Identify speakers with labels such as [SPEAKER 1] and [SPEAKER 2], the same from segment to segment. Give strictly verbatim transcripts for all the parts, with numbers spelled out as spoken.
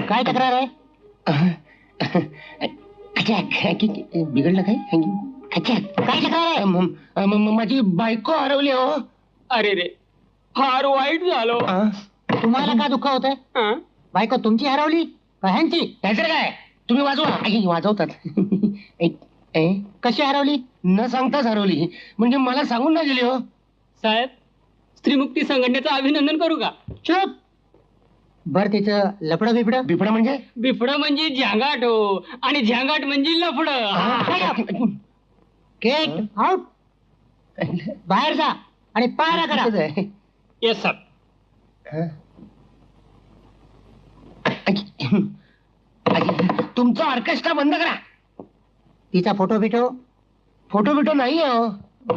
[SPEAKER 1] काय तक्रार आहे?
[SPEAKER 2] बिघडलं काय?
[SPEAKER 1] काय तक्रार आहे?
[SPEAKER 2] म- म- म- माझी बायको हरवली हो.
[SPEAKER 3] अरे रे, फार वाईट झालो.
[SPEAKER 2] आ?
[SPEAKER 1] तुम्हाला का दुःख होतंय?
[SPEAKER 3] हं?
[SPEAKER 1] बायको तुमची हरवली का ह्यांची?
[SPEAKER 2] त्याचं काय? तुम्ही वाजवा. आई, वाजवतात. ए, ए,
[SPEAKER 1] कशी हरवली?
[SPEAKER 2] न सांगताच हरवली. म्हणजे मला सांगून नाही गेली हो.
[SPEAKER 3] साहेब, स्त्रीमुक्ती संघटनेचं अभिनंदन करू का?
[SPEAKER 1] चुप. बर तिचं लफडं बिफडं?
[SPEAKER 2] बिफडा म्हणजे?
[SPEAKER 3] बिफडं म्हणजे झ्यांगाट हो, आणि झ्यांगाट म्हणजे लफडं.
[SPEAKER 1] Get out. बाहेर जा आणि पायऱ्या करा.
[SPEAKER 2] तिथंच आहे.
[SPEAKER 3] Yes sir.
[SPEAKER 2] हं? आई, आई, तुमचं ऑर्केस्ट्रा बंद करा.
[SPEAKER 1] तिचा फोटो बिटो?
[SPEAKER 2] फोटो बिटो नाही हो.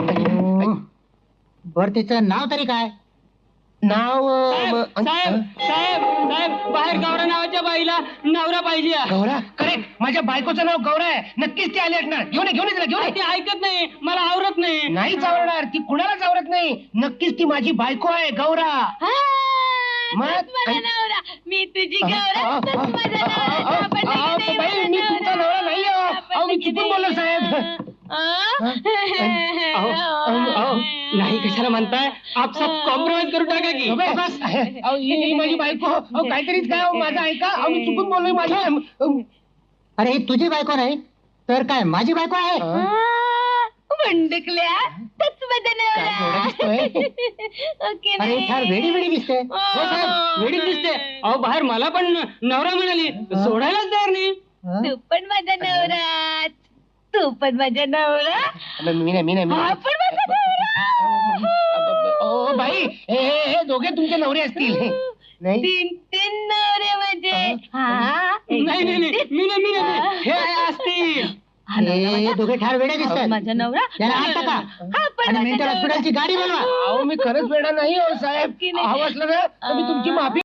[SPEAKER 1] बर तिचं नाव तरी काय?
[SPEAKER 2] नाव
[SPEAKER 3] साहेब
[SPEAKER 2] अ,
[SPEAKER 3] साहेब साहेब साहेब, बाहेर गौरा नावाच्या बाईला नवरा पाहिजे.
[SPEAKER 2] गौरा. करेक्ट. माझ्या बायकोचं नाव गौरा आहे. नक्कीच ती आली असणार. घेऊन ये, घेऊन ये तिला, घेऊन ये.
[SPEAKER 3] ती ऐकत नाही, मला आवरत नाही.
[SPEAKER 2] नाहीच आवडणार. ती कुणालाच आवडत नाही. नक्कीच ती माझी बायको आहे गौरा. मग?
[SPEAKER 4] माझा नवरा, मी तुझी गौरा,
[SPEAKER 2] अहो,
[SPEAKER 4] तूच
[SPEAKER 2] अहो,
[SPEAKER 4] माझा
[SPEAKER 2] अहो,
[SPEAKER 4] नवरा,
[SPEAKER 2] अहो,
[SPEAKER 4] आपण
[SPEAKER 2] अहो,
[SPEAKER 4] लगेच
[SPEAKER 2] बाई,
[SPEAKER 4] माझा
[SPEAKER 2] मी तुमचा नवरा नाही आहे, अहो.
[SPEAKER 4] आपण
[SPEAKER 2] अहो, मी
[SPEAKER 4] लगेच
[SPEAKER 2] चुकून बोललो, साहेब.
[SPEAKER 4] आ?
[SPEAKER 3] अहो, अहो, अहो, नाही कशाला म्हणताय? आप सब कॉम्प्रोमाइज करू टाका की.
[SPEAKER 2] अबे, बस. अहो, ही ही माझी बायको. अहो, काहीतरीच काय, अहो, माझं ऐका. अहो, मी चुकून बोललोय. माझी अहो,
[SPEAKER 1] अरे ही तुझी बायको नाही तर काय माझी बायको आहे?
[SPEAKER 4] आ, वंडकल्या, तूच माझा
[SPEAKER 2] काय एवढं दिसतोय?
[SPEAKER 4] नवरा. ओके
[SPEAKER 1] अरे
[SPEAKER 4] नाही.
[SPEAKER 1] फार वेडी वेडी दिसते.
[SPEAKER 3] हो साहेब, वेडीच दिसते. अहो, बाहेर मला पण नवरा म्हणाली, सोडायलाच तयार नाही.
[SPEAKER 4] तू पण माझा नवरा, तू पण माझा नवरा,
[SPEAKER 2] अबे, मी नाही, मी नाही, मी
[SPEAKER 4] हा
[SPEAKER 2] नाही.
[SPEAKER 4] पण माझा नवरा.
[SPEAKER 2] ओ बाई, हे हे हे दोघे तुमचे नवरे असतील. नाही.
[SPEAKER 4] तीन तीन नवरे म्हणजे हा
[SPEAKER 3] नाही नाही नाही, मी नाही, मी नाही. हे असतील.
[SPEAKER 4] हा नवरा
[SPEAKER 1] हे
[SPEAKER 4] माझा.
[SPEAKER 1] दोघे ठार वेड्या दिसतात.
[SPEAKER 4] माझा नवरा,
[SPEAKER 1] त्याला हात टाका
[SPEAKER 4] हा पण
[SPEAKER 1] आणि
[SPEAKER 4] माझा
[SPEAKER 1] मेंटल
[SPEAKER 4] नवरा.
[SPEAKER 1] हॉस्पिटलची गाडी बोलवा.
[SPEAKER 2] अहो, मी खरंच वेडा नाही हो साहेब.
[SPEAKER 4] की नाही?
[SPEAKER 2] हवं असलं ना तर मी तुमची माफी